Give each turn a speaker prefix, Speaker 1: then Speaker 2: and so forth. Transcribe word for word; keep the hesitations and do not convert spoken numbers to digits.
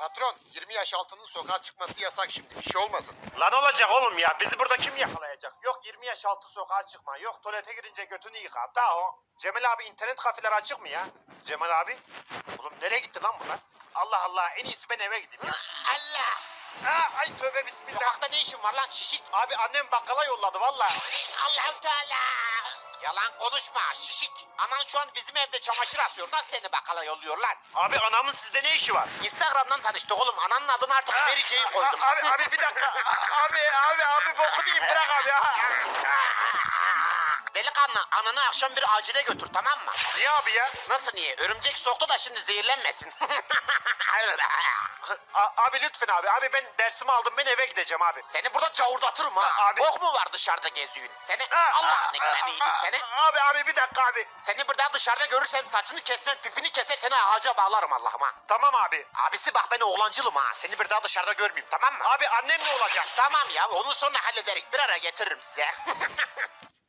Speaker 1: Patron, yirmi yaş altının sokağa çıkması yasak şimdi. Bir şey olmasın.
Speaker 2: Lan olacak oğlum ya. Bizi burada kim yakalayacak? Yok yirmi yaş altı sokağa çıkma. Yok tuvalete girince götünü yıka. Daha o. Cemal abi internet kafeler açık mı ya? Cemal abi? Oğlum nereye gitti lan bunlar? Allah Allah en iyisi ben eve gideyim ya.
Speaker 1: Allah!
Speaker 2: Aa, ay tövbe bismillah.
Speaker 1: Sokakta ne işin var lan şişik?
Speaker 2: Abi annem bakkala yolladı valla.
Speaker 1: Allah-u Teala! Yalan konuşma şişik. Anan şu an bizim evde çamaşır asıyor. Nasıl seni bakkala yolluyor lan?
Speaker 2: Abi anamın sizde ne işi var?
Speaker 1: Instagram'dan tanıştık oğlum. Ananın adını artık vereceği koydum.
Speaker 2: Abi abi bir dakika. Abi abi abi bokunu yiyeyim bırak abi.
Speaker 1: Delikanlı ananı akşam bir acile götür tamam mı?
Speaker 2: Niye abi ya?
Speaker 1: Nasıl niye? Örümcek soktu da şimdi zehirlenmesin.
Speaker 2: A- abi lütfen abi. Abi ben dersimi aldım ben eve gideceğim abi.
Speaker 1: Seni burada çavurdatırım ha.
Speaker 2: Abi-
Speaker 1: Bok mu var dışarıda geziyorsun? Seni Allah'ın ekmeğini yedim seni.
Speaker 2: Abi abi bir dakika abi.
Speaker 1: Seni burada dışarıda görürsem saçını kesmem, pipini keser seni ağaca bağlarım Allah'ım ha.
Speaker 2: Tamam abi.
Speaker 1: Abisi bak ben oğlancılım ha. Seni bir daha dışarıda görmeyeyim tamam mı?
Speaker 2: Abi annem ne olacak?
Speaker 1: Tamam ya onu sonra hallederik. Bir ara getiririm size.